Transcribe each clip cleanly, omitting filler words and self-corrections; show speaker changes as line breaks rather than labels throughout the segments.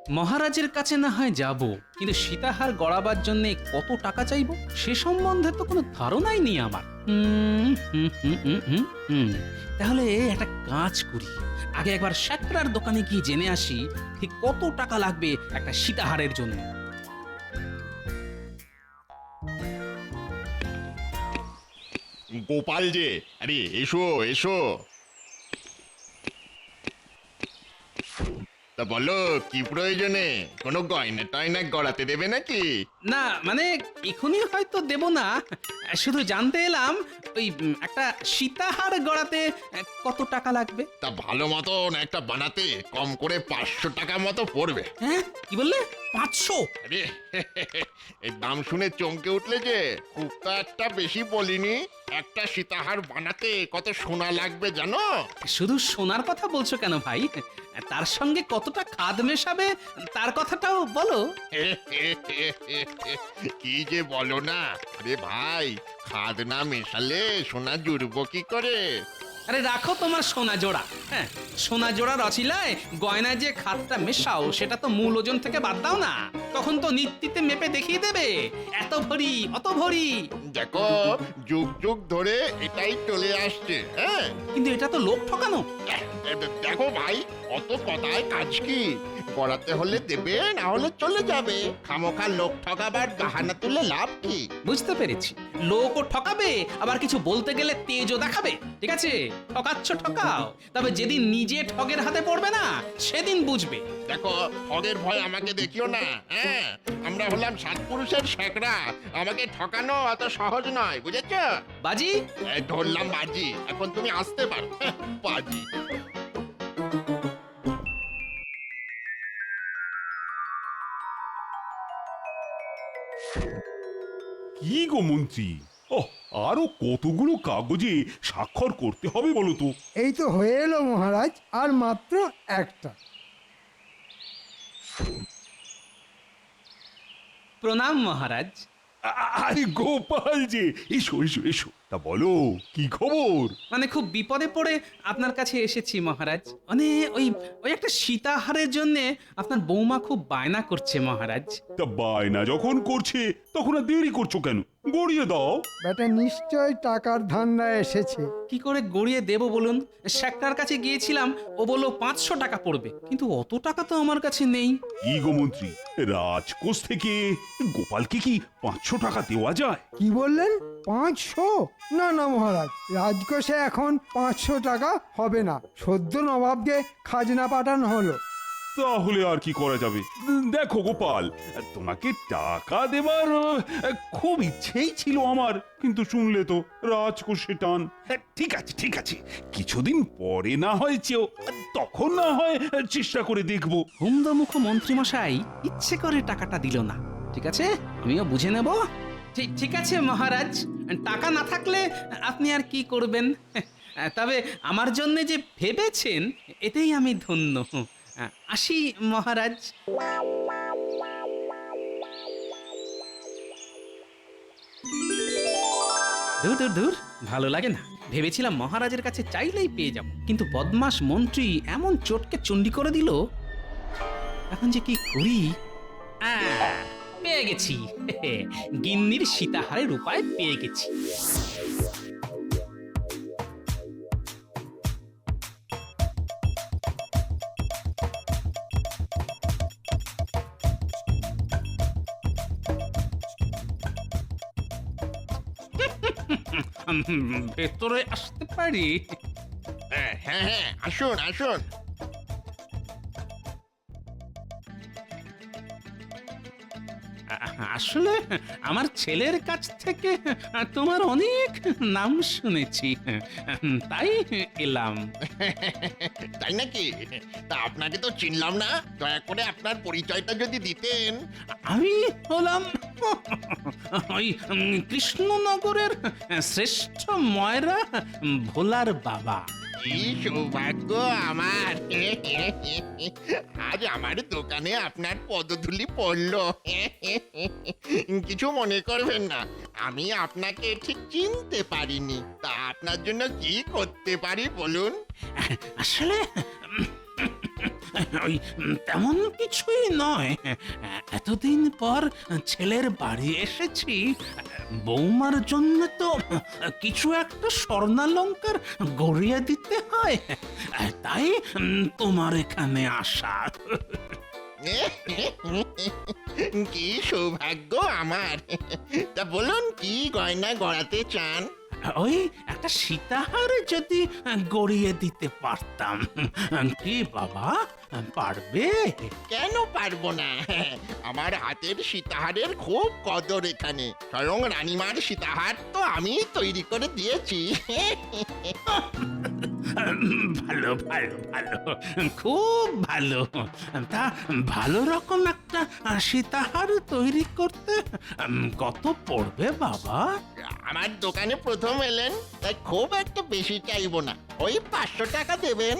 মহারাজের কাছে না হয় যাব, কিন্তু সীতাহার গড়াবার জন্য কত টাকা চাইবো সে সম্বন্ধে তো কোনো ধারণাই নেই আমার। তাহলে একটা কাজ করি, আগে একবার শ্যাকরার দোকানে গিয়ে জেনে আসি ঠিক কত টাকা লাগবে একটা সীতাহারের জন্য।
গোপাল যে, আরে এসো এসো। তা বলো কি প্রয়োজনে? কোনো গয়না টয়না গড়াতে দেবে নাকি?
না মানে এখনই হয়তো দেব না, শুধু জানতে এলাম ওই একটা সীতাহার গড়াতে কত টাকা লাগবে।
তা ভালো মতন একটা বানাতে কম করে 500 টাকা মতো পড়বে।
হ্যাঁ কি বললে? 500?
আরে এই দাম শুনে চমকে উঠলে যে, খুব তো একটা বেশি বলিনি। একটা সীতাহার বানাতে কত সোনা লাগবে জানো?
শুধু সোনার কথা বলছো কেন ভাই? তার সঙ্গে কতটা খাদ মেশাবে তার কথাটাও বলো।
কি যে বলো না, আরে ভাই, খাদ না মেশালে সোনা জুড়বো কি করে?
আরে রাখো তোমার সোনা জোড়া। হ্যাঁ, সোনা জোড়ার অছিলায় গয়নায় যে খাদটা মেশাও সেটা তো মূল ওজন থেকে বাদ দাও না, তখন তো নিত্যিতে মেপে দেখিয়ে দেবে এত ভরি অত ভরি।
দেখো, যুগ যুগ ধরে এটাই চলে আসছে। হ্যাঁ,
কিন্তু এটা তো লোক ঠকানো।
দেখো ভাই, অত কথায় কাজ কি? গড়াতে হলে দেবে, না হলে চলে যাবে। খামোখা লোক ঠকাবার বাহানা তুলে লাভ কি?
বুঝতে পেরেছি, লোকও ঠকাবে আবার কিছু বলতে গেলে তেজও দেখাবে। ঠিক আছে, ঠকাচ্ছ ঠকাও, তবে যেদিন নিজে ঠগের হাতে পড়বে না সেদিন বুঝবে।
দেখো, ঠগের ভয় আমাকে দেখিও না। হ্যাঁ, আমরা হলাম সাত পুরুষের শেকরা, আমাকে ঠকানো অত সহজ নয়, বুঝেছ?
বাজি,
এই ধরলাম বাজি, এখন তুমি আসতে পারো। বাজি।
কি গো মন্ত্রী, ওহ, আরো কতগুলো কাগজে স্বাক্ষর করতে হবে বলো তো?
এই তো হয়ে এলো মহারাজ, আর মাত্র একটা।
প্রণাম মহারাজ।
আরে গোপাল যে, এসো এসো এসো। তা বলো, কি খবর?
মানে খুব বিপদে পড়ে আপনার কাছে এসেছি মহারাজ। মানে ওই ওই একটা সীতাহারের জন্য আপনার বৌমা খুব বায়না করছে মহারাজ।
তা বায়না যখন করছে তখন আর দেরি করছো কেন? গড়িয়ে দাও।
বেটা নিশ্চয় টাকার ধান্দায় এসেছে।
কি করে গড়িয়ে দেব বলুন? শ্যাকরার কাছে গিয়েছিলাম, ও বলল 500 টাকা পড়বে, কিন্তু অত টাকা তো আমার কাছে নেই।
কি গো মন্ত্রী, রাজকোষ থেকে গোপালকে কি 500 টাকা দেওয়া যায়?
কি বললেন? 500? না না মহারাজ, রাজকোষে এখন 500 টাকা হবে না। সদ্য নবাবকে খাজনা পাঠানো হলো।
তাহলে আর কি করা যাবে? দেখো গোপাল, তোমাকে টাকা দেবার খুব ইচ্ছেই ছিল আমার, কিন্তু শুনলে তো রাজকোষে টান। ঠিক আছে ঠিক আছে, কিছুদিন পরে না হয় চেয়েও, তখন না হয় চেষ্টা করে দেখবো।
হুমদমুখ মন্ত্রী মশাই ইচ্ছে করে টাকাটা দিল না। ঠিক আছে, আমিও বুঝে নেব। ঠিক আছে মহারাজ, টাকা না থাকলে আপনি আর কি করবেন? তবে আমার জন্য যে ভেবেছেন এতেই আমি ধন্য। আসি মহারাজ। দূর দূর দূর, ভালো লাগে না। ভেবেছিলাম মহারাজের কাছে চাইলেই পেয়ে যাব, কিন্তু বদমাস মন্ত্রী এমন চটকে চণ্ডী করে দিল। এখন যে কি করি? পেয়ে গেছি, গিন্নির সীতাহারের উপায় পেয়ে গেছি। ভেতরে আসতে পারি?
হ্যাঁ হ্যাঁ হ্যাঁ, আসুন আসুন।
আসলে আমার ছেলের কাছ থেকে তোমার অনেক নাম শুনেছি, তাই এলাম।
তাই নাকি? তা আপনাকে তো চিনলাম না, দয়া করে আপনার পরিচয়টা যদি দিতেন।
আমি হলাম ওই কৃষ্ণনগরের শ্রেষ্ঠ ময়রা ভোলার বাবা।
কি সৌভাগ্য আমার! আজ আমার দোকানে আপনার পদধূলি পড়লো। কিছু মনে করবেন না, আমি আপনাকে ঠিক চিনতে পারিনি। তা আপনার জন্য কি করতে পারি বলুন?
আসলে ওই তেমন কিছুই নয়। এতদিন পর ছেলের বাড়ি এসেছি, বৌমার জন্য তো কিছু একটা স্বর্ণালঙ্কার গড়িয়ে দিতে হয়, তাই তোমার এখানে আসা।
কি সৌভাগ্য আমার। তা বলুন কি গয়না গড়াতে চান?
ওই একটা সীতাহার যদি গড়িয়ে দিতে পারতাম। কি বাবা, পারবে?
কেন পারবো না? আমার হাতের সীতাহারের খুব কদর এখানে। স্বয়ং রানীমার সীতাহার তো আমি তৈরি করে দিয়েছি।
ভালো ভালো ভালো, খুব ভালো। তা ভালো রকম একটা সীতাহার তৈরি করতে কত পড়বে বাবা?
আমার দোকানে প্রথম এলেন, তাই খুব একটা বেশি চাইবো না। ওই 500 টাকা দেবেন।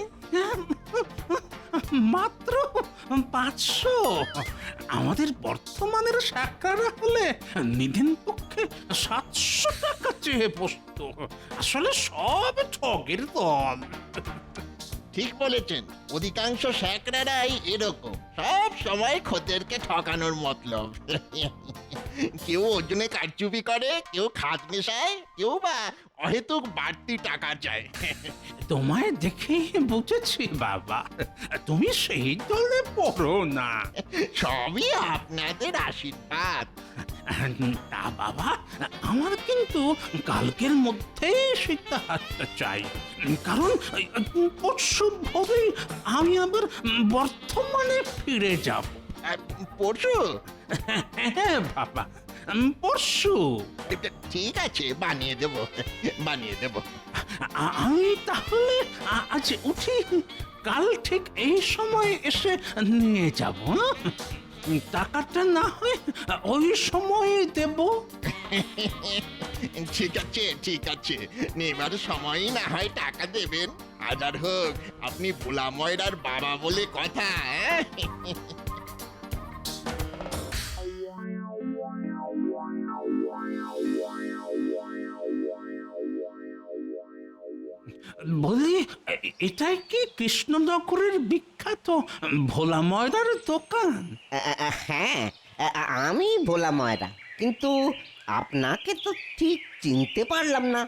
মাত্র 500? আমাদের বর্তমানের শাকরা হলে নিধিন পক্ষে 700 টাকা চেয়ে বসতো। আসলে সব ঠগের দল।
ঠিক বলেছেন, অধিকাংশ শ্যাকরারাই এরকম, সব সময় খদ্দেরকে ঠকানোর মতলব। কেউ ওজনে কারচুপি করে, কেউ খাত মেশায়, কেউ বা অহেতুক বাড়তি টাকা চায়।
তোমায় দেখে বুঝেছি বাবা, তুমি সেই দলে পড়ো না।
সবই আপনাদের আশীর্বাদ।
তা বাবা, আমার কিন্তু কালকের মধ্যেই সীতাহারটা চাই, কারণ পরশু ভোরেই আমি আবার বর্তমানে ফিরে যাব।
পরশু?
হ্যাঁ বাবা, পরশু।
ঠিক আছে, বানিয়ে দেব, বানিয়ে দেব।
আমি তাহলে আজ উঠি, কাল ঠিক এই সময় এসে নিয়ে যাব। টাকাটা না হয় ওই সময় দেব।
ঠিক আছে, ঠিক আছে, নেবার সময়ই না হয় টাকা দেবেন। হাজার হোক, আপনি ভোলা ময়রার বাবা বলে কথা।
বলি, এটাই কি কৃষ্ণনগরের বিখ্যাত ভোলা ময়দার দোকান?
হ্যাঁ, আমি ভোলা ময়রা, কিন্তু আপনাকে তো ঠিক চিনতে পারলাম না।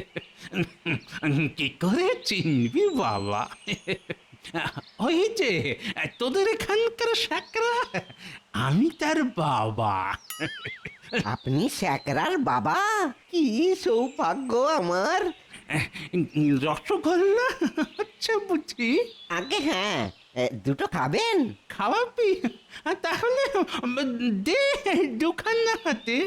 কি করে চিনবি বাবা? ওই যে তোদের এখানকার শাকরা, আমি তার বাবা।
আপনি শ্যাকরার বাবা? কি সৌভাগ্য আমার।
রসগোল্লা হচ্ছে বুঝি?
আগে হ্যাঁ, দুটো খাবেন?
খাওয়াবি? তাহলে দে দুখানা হাতে।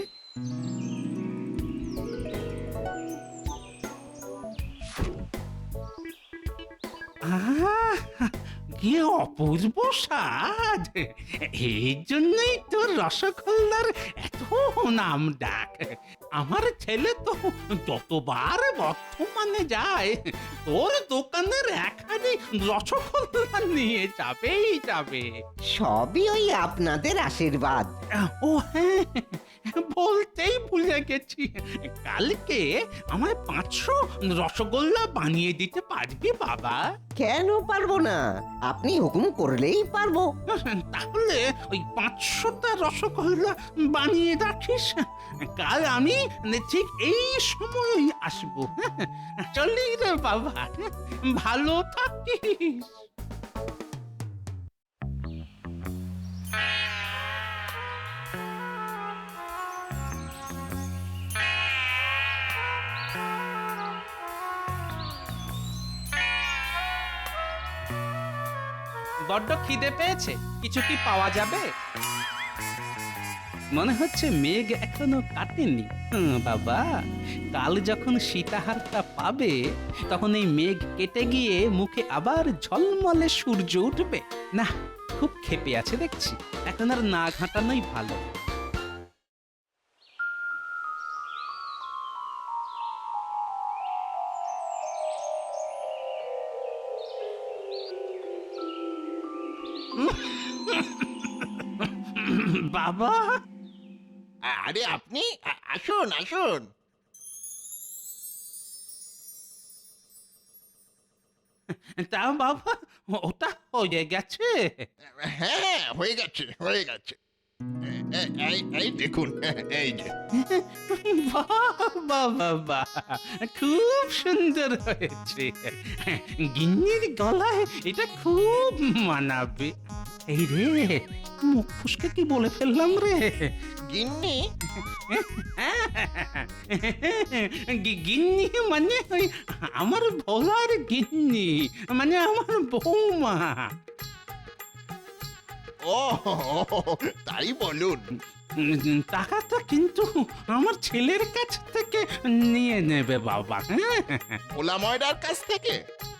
কি অপূর্ব স্বাদ! এই জন্যই তোর রসগোল্লার এত নাম ডাক। আমার ছেলে তো যতবার বর্ধমানে যায়, তোর দোকানের একখানি রসগোল্লা নিয়ে যাবেই যাবে।
সবই ওই আপনাদের আশীর্বাদ।
ও হ্যাঁ, বলতেই ভুলে গেছি, কালকে আমায় 500 রসগোল্লা বানিয়ে দিতে পারবি বাবা?
কেন পারবো না? আপনি হুকুম করলেই পারবো।
তাহলে ওই 500টা রসগোল্লা বানিয়ে রাখিস, কাল আমি ঠিক এই সময়ই আসবো। চলি রে বাবা, ভালো থাকিস।
বড্ড খিদে পেয়েছে, কিছু কি পাওয়া যাবে?
মনে হচ্ছে মেঘ এখনো কাটেনি। বাবা, কাল যখন সীতাহারটা পাবে, তখন এই মেঘ কেটে গিয়ে মুখে আবার ঝলমলে সূর্য উঠবে। না, খুব ক্ষেপে আছে দেখছি, এখন আর না ঘাঁটানোই ভালো। বাবা,
আরে আপনি আসুন, আসুন।
তা বাবা ওটা হয়ে গেছে?
হ্যাঁ, হয়ে গেছে, হয়ে গেছে। এই দেখুন, এই যে।
বাহ বাহ বাহ, খুব সুন্দর হয়েছে। গিন্নির গলায় এটা খুব মানাবে। এই রে, মুখ ফুসকে কি বলে ফেললাম রে?
গিন্নি?
গিন্নি মানে ওই আমার ভোলার গিন্নি, মানে আমার বৌমা।
ও, তাই বলুন।
টাকাটা কিন্তু আমার ছেলের কাছ থেকে নিয়ে নেবে বাবা।
ভোলা ময়রার কাছ থেকে?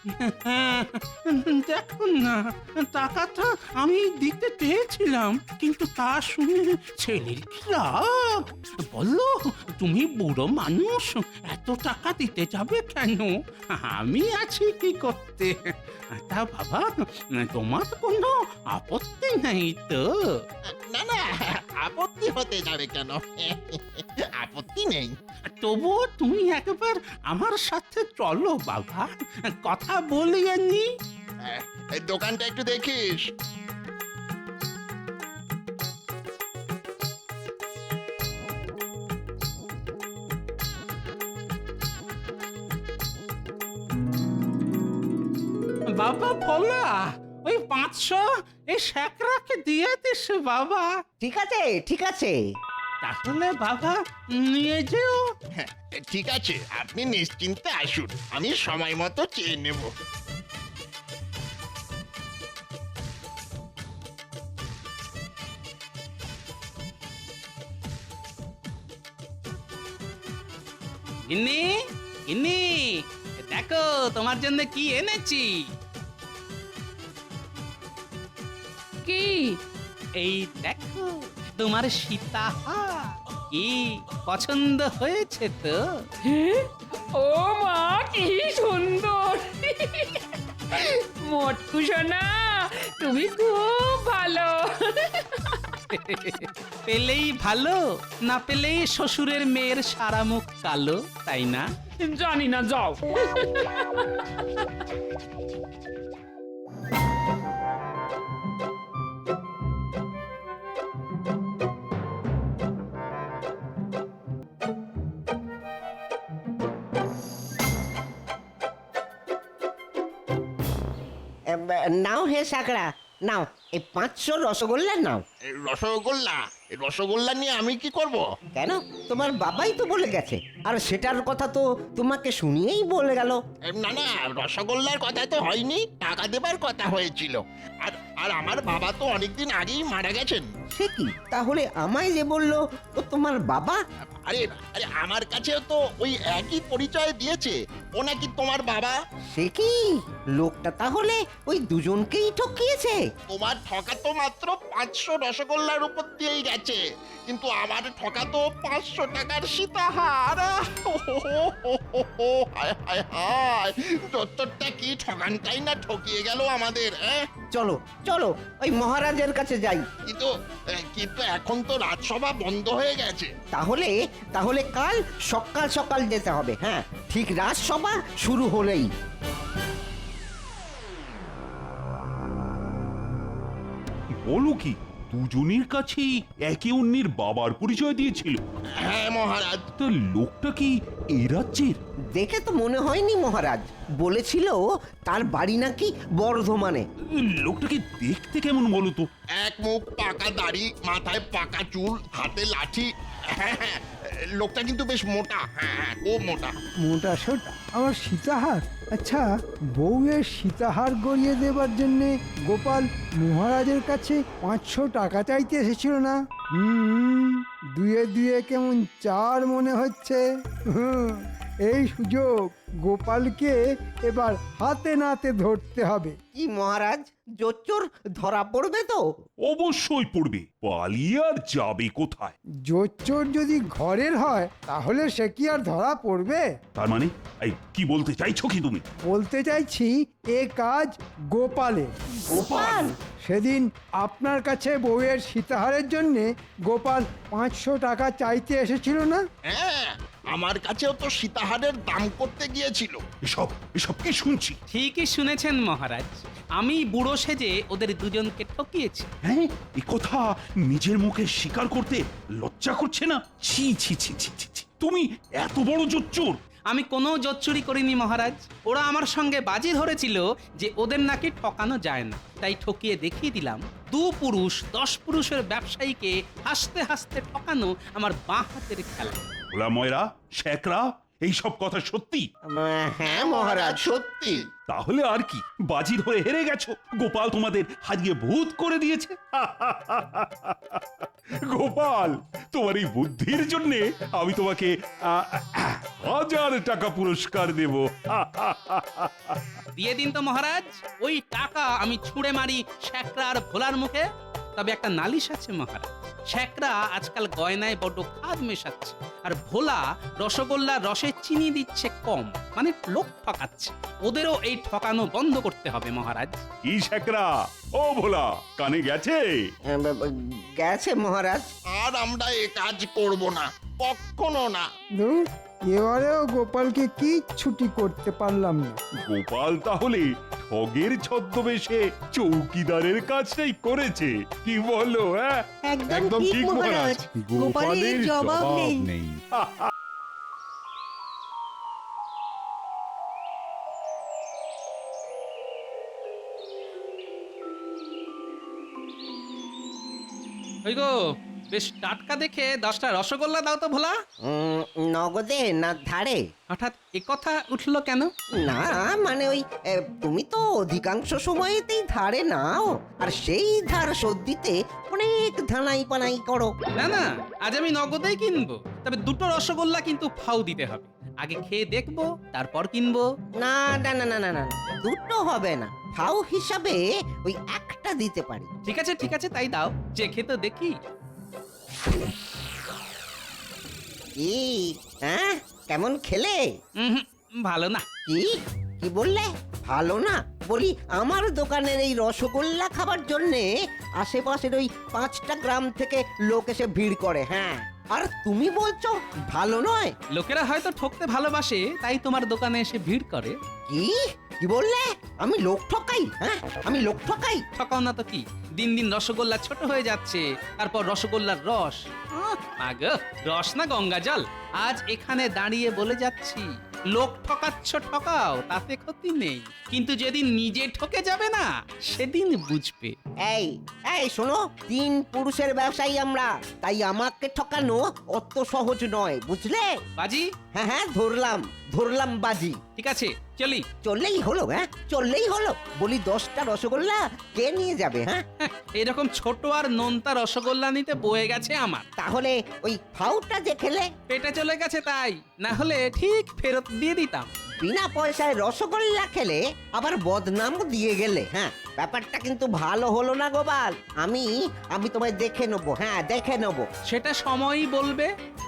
দেখুন না, টাকাটা আমি দিতে চেয়েছিলাম, কিন্তু তা শুনে ছেলের কি রাগ। বললো, তুমি বুড়ো মানুষ, এত টাকা দিতে যাবে কেন? আমি আছি কি করতে। তা বাবা, তোমার কোনো আপত্তি নেই তো?
না না, আপত্তি হতে যাবে কেন? আপত্তি নেই।
তবুও তুমি একবার আমার সাথে চলো বাবা, কথা বলিয়ে নি।
এই দোকানটা একটু দেখিস।
বাবা ভোলা, ওই 500 এই শ্যাকরাকে দিয়ে দিস বাবা।
ঠিক আছে, ঠিক আছে।
তাহলে বাবা নিয়ে যেও।
হ্যাঁ, ঠিক আছে, আপনি নিশ্চিন্তে আসুন, আমি সময় মতো চেয়ে নেব।
গিন্নি, গিন্নি, দেখো তোমার জন্য কি এনেছি।
কি?
এই দেখো তোমার সীতাহার। কি পছন্দ হয়েছে তো?
হ্যাঁ? ও মা, কি সুন্দর! মোটকু সোনা, তুমি খুব ভালো।
পেলেই ভালো, না পেলেই শ্বশুরের মেয়ের সারা মুখ কালো, তাই না?
জানি না, যাও।
নাও হে সাকরা, নাও এই 500 রসগোল্লা নাও।
এই রসগোল্লা, এই রসগোল্লা নিয়ে আমি কি করব?
কেন, তোমার বাবাই তো বলে গেছে, আর সেটার কথা তো তোমাকে শুনিয়েই বলে গেল।
না না, রসগোল্লার কথা তো হয়নি, টাকা দেবার কথা হয়েছিল। আর আর আমার বাবা তো অনেকদিন আগেই মারা গেছেন।
সে কি, তাহলে আমায় যে বললো ও তোমার বাবা?
আরে আরে, আমার কাছেও তো ওই একই পরিচয় দিয়েছে, ও নাকি তোমার বাবা।
সে কি, লোকটা তাহলে ওই দুজনকেই ঠকিয়েছে?
তোমার ঠকা তো মাত্র 500 রসগোল্লার উপর দিয়েই গেছে, কিন্তু আমার ঠকা তো 500 টাকার সীতাহার। হায় হায় হায়, দত্তরটা কি ঠকানটাই না ঠকিয়ে গেল আমাদের।
চলো চলো, ওই মহারাজের কাছে যাই।
কিন্তু কিন্তু এখন তো রাজসভা বন্ধ হয়ে গেছে।
তাহলে তাহলে কাল সকাল সকাল যেতে হবে। হ্যাঁ, ঠিক রাজসভা শুরু হলেই।
বলো কি, দুজনের কাছেই একে অন্যের বাবার পরিচয় দিয়েছিল?
হ্যাঁ মহারাজ।
তা লোকটা কি এই রাজ্যের?
দেখে তো মনে হয়নি মহারাজ, বলেছিল তার বাড়ি নাকি বর্ধমানে।
লোকটাকে দেখতে কেমন বলো তো?
এক মুখ পাকা দাড়ি, মাথায় পাকা চুল, হাতে লাঠি। হ্যাঁ হ্যাঁ, লোকটা কিন্তু বেশ মোটা। হ্যাঁ হ্যাঁ, খুব মোটা।
মোটা সোটা আমার সীতাহার। আচ্ছা, বউয়ের সীতাহার গড়িয়ে দেবার জন্যে গোপাল মহারাজের কাছে 500 টাকা চাইতে এসেছিল না? দুয়ে দুয়ে কেমন 4 মনে হচ্ছে। এই সুযোগ গোপালকে এবার হাতে নাতে ধরতে হবে।
কি মহারাজ, জোচ্চোর ধরা পড়বে তো?
অবশ্যই পড়বে, পালিয়ে আর যাবে কোথায়?
জোচ্চোর যদি ঘরের হয় তাহলে সে কি আর ধরা পড়বে?
তার মানে এই কি বলতে চাইছো কি তুমি?
বলতে চাইছি, এ কাজ গোপালের।
গোপাল?
সেদিন আপনার কাছে বউয়ের সীতাহারের জন্য গোপাল 500 টাকা চাইতে এসেছিল না?
হ্যাঁ, আমার কাছেও তো সীতাহারের দাম করতে গিয়েছিল।
এসব এসব কি শুনছি?
ঠিকই শুনেছেন মহারাজ, আমি বুড়ো সেজে ওদের দুজনকে ঠকিয়েছি।
হ্যাঁ, এই কথা নিজের মুখে স্বীকার করতে লজ্জা করছে না? ছি ছি ছি ছি ছি ছি। তুমি এত বড় জোচ্চোর!
আমি কোনো জোচ্চুরি করিনি মহারাজ। ওরা আমার সঙ্গে বাজি ধরেছিল যে ওদের নাকি ঠকানো যায় না, তাই ঠকিয়ে দেখিয়ে দিলাম 2 পুরুষ 10 পুরুষের ব্যবসায়ীকে হাসতে হাসতে ঠকানো আমার বাঁ হাতের খেলা।
ওলা ময়রা, শেকরা, এই সব কথা সত্যি?
হ্যাঁ মহারাজ, সত্যি।
তাহলে আর কি, বাজি ধরে হেরে গেছো। গোপাল তোমাদের হারিয়ে ভূত করে দিয়েছে। গোপাল, তোমার এই বুদ্ধির জন্য আমি তোমাকে 1000 টাকা পুরস্কার দেব।
দিয়ে দিন তো মহারাজ, ওই টাকা আমি ছুঁড়ে মারি শ্যাকরা আর ভোলার মুখে। তবে একটা নালিশ আছে মহারাজ, শ্যাকরা আজকাল গয়নায় বড্ড খাদ মেশাচ্ছে, আর ভোলা রসগোল্লার রসে চিনি দিচ্ছে কম, মানে লোক ঠকাচ্ছে। ওদেরও এই ঠকানো বন্ধ করতে হবে মহারাজ।
কি শেকরা, ও ভোলা, কানে গেছে?
গেছে মহারাজ।
আর আমরা এ কাজ করব না, কখনো না।
ধুর, এবারেও গোপালকে কি ছুটি করতে পারলাম না।
গোপাল তাহলে ঠগের ছদ্মবেশে চৌকিদারের কাজটাই করেছে, কি বলো? হ্যাঁ,
একদম ঠিক মহারাজ, গোপালের জবাব নেই।
ওই গো, বেশ টাটকা দেখে 10টা রসগোল্লা দাও তো ভোলা।
নগদে না ধারে?
হঠাৎ একথা উঠলো কেন?
না মানে ওই তুমি তো অধিকাংশ সময়তেই ধারে নাও, আর সেই ধার শোধ দিতে অনেক ধানাই পানাই করো।
না না, আজ আমি নগদেই কিনবো, তবে 2টো রসগোল্লা কিন্তু ফাউ দিতে হবে। আগে খেয়ে দেখবো, তারপর কিনবো।
না না না না না না, দুটো হবে না, ফাও হিসাবে ওই একটা দিতে পারি।
ঠিক আছে ঠিক আছে, তাই দাও, চেখে তো দেখি।
কি হ্যাঁ, কেমন খেলে?
উহুম, ভালো না।
কি কি বললে? ভালো না? বলি আমার দোকানের এই রসগোল্লা খাবার জন্যে আশেপাশের ওই 5টা গ্রাম থেকে লোক এসে ভিড় করে। হ্যাঁ, আর তুমি বলছো ভালো নয়?
লোকেরা হয়তো ঠকতে ভালোবাসে, তাই তোমার দোকানে এসে ভিড় করে।
কি কি বললে? আমি লোক ঠকাই? হ্যাঁ, আমি লোক ঠকাই?
ঠকাও না তো কি, দিন দিন রসগোল্লা ছোট হয়ে যাচ্ছে, তারপর রসগোল্লার রস। আগো, রস না গঙ্গা জল। আজ এখানে দাঁড়িয়ে বলে যাচ্ছি, লোক ঠকাচ্ছ ঠকাও, তাতে ক্ষতি নেই, কিন্তু যেদিন নিজে ঠকে যাবে না, সেদিন বুঝবে।
এই এই শোনো, 3 পুরুষের ব্যবসায়ী আমরা, তাই আমাকে ঠকানো অত সহজ নয়, বুঝলে?
বাজি,
হ্যাঁ হ্যাঁ, ধরলাম বাজি।
ঠিক আছে, চলি।
চললেই হলো? হ্যাঁ, চললেই হলো। বলি 10টা রসগোল্লা কে নিয়ে যাবে? হ্যাঁ,
এরকম ছোট আর নোনতা রসগোল্লা নিতে বয়ে গেছে আমার।
তাহলে ওই ফাউটা যে খেলে
পেটে চলে গেছে, তাই না হলে ঠিক ফেরত দিয়ে দিতাম।
বিনা পয়সায় রসগোল্লা খেলে আবার বদনাম দিয়ে গেলে। হ্যাঁ, ব্যাপারটা কিন্তু ভালো হলো না গোপাল। আমি তোমায় দেখে নেবো। হ্যাঁ, দেখে নেবো।
সেটা সময়ই বলবে।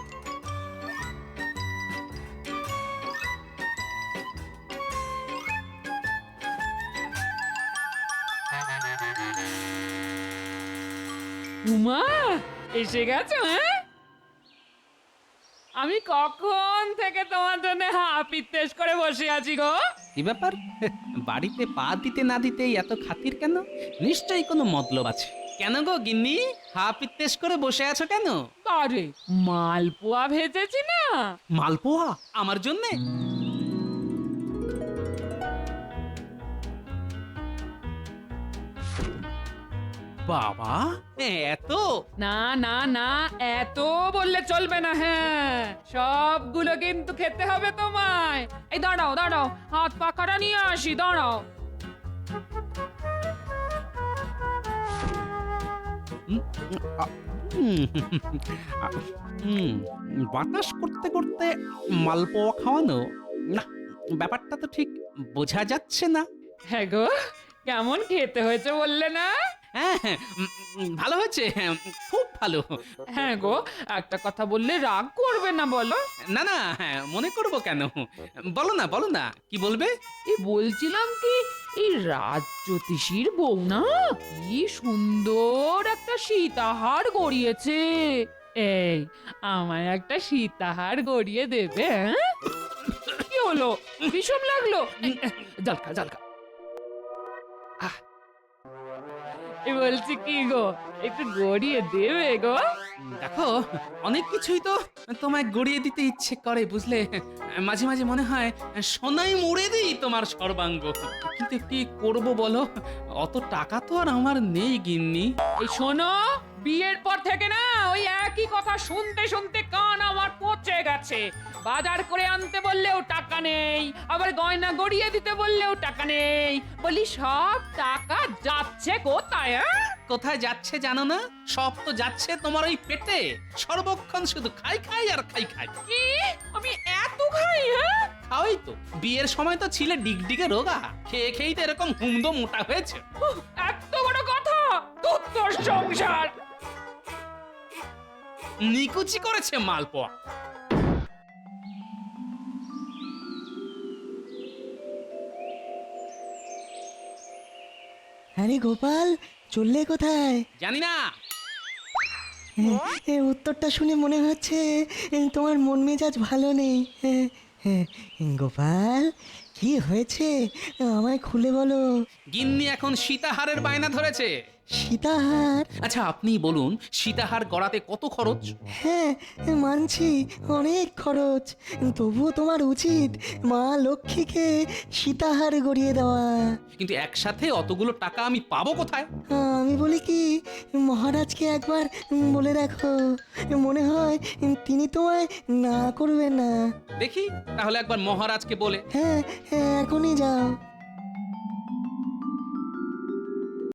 উমা, এসে গেছো? হ্যাঁ, আমি কখন থেকে তোমার জন্য হাপিত্তেশ করে বসে আছি গো।
কি ব্যাপার, বাড়িতে পা দিতে না দিতেই এত খাতির কেন? নিশ্চয়ই কোনো মতলব আছে। কেন গো গিন্নি, হা পিত্তেশ করে বসে আছো কেন?
আরে, মালপোয়া ভেজেছি না।
মালপোয়া আমার জন্যে? বাবা, এত?
না না না, এত বললে চলবে না। হ্যাঁ, সবগুলো কিন্তু খেতে হবে তোমায়। এই দাঁড়াও দাঁড়াও, হাত পাখাটা নিয়ে আসি, দাঁড়াও।
বাতাস করতে করতে মালপোয়া খাওয়ানো, না, ব্যাপারটা তো ঠিক বোঝা যাচ্ছে না।
হ্যাঁ গো, কেমন খেতে হয়েছে বললে না?
হ্যাঁ, ভালো হয়েছে, খুব ভালো।
হ্যাঁ গো, একটা কথা বললে রাগ করবে না বলো?
না না, মনে করবো কেন, বলো না, কি বলবে?
এই বলছিলাম কি, এই রাজ্যোতিষীর বউ না কি সুন্দর একটা সীতাহার গড়িয়েছে। এই আমায় একটা সীতাহার গড়িয়ে দেবে হ্যাঁ? কি হলো বিষম লাগলো জলকা জলকা বলছি কি গো একটু গড়িয়ে দেবে গো?
দেখো অনেক কিছুই তো তোমায় গড়িয়ে দিতে ইচ্ছে করে বুঝলে, মাঝে মাঝে মনে হয় সোনাই মুড়ে দিই তোমার সর্বাঙ্গ, কিন্তু কি করব বলো, অত টাকা তো আর আমার নেই গিন্নি।
এই শোনো, বিয়ের পর থেকে না ওই একই কথা শুনতে শুনতে কান আমার পচে গেছে। বাজার করে আনতে বললেও টাকা নেই, আবার গয়না গড়িয়ে দিতে বললেও টাকা নেই। বলি সব টাকা যাচ্ছে কোথায়?
কোথায় যাচ্ছে জানো না? সব তো যাচ্ছে তোমার ওই পেটে, সর্বক্ষণ শুধু খাই খাই আর খাই খাই।
কি আমি এত খাই?
খাওয়াই তো, বিয়ের সময় তো ছিলে ডিগডিগে রোগা, খেয়ে খেয়েই তো এরকম হুমদো মোটা হয়েছে।
এত বড় কথা তোর সংসার
নিকুচি করেছে মালপোয়া।
আরে গোপাল, চললে কোথায়?
জানি না,
উত্তরটা শুনে মনে হচ্ছে তোমার মন মেজাজ ভালো নেই। গোপাল, কি হয়েছে আমায় খুলে বলো।
গিন্নি এখন সীতাহারের বায়না ধরেছে।
সীতাহার?
আচ্ছা আপনি বলুন, সীতাহার গড়াতে কত খরচ?
হ্যাঁ মানছি, অনেক খরচ, তবুও তোমার উচিত মা লক্ষ্মীকে সীতাহার গড়িয়ে দেওয়া।
কিন্তু একসাথে অতগুলো টাকা আমি পাবো কোথায়?
আমি বলি কি, মহারাজকে একবার বলে দেখো, মনে হয় তিনি তোমায় না করবে না।
দেখি তাহলে একবার মহারাজকে বলে।
হ্যাঁ, এখনই যাও।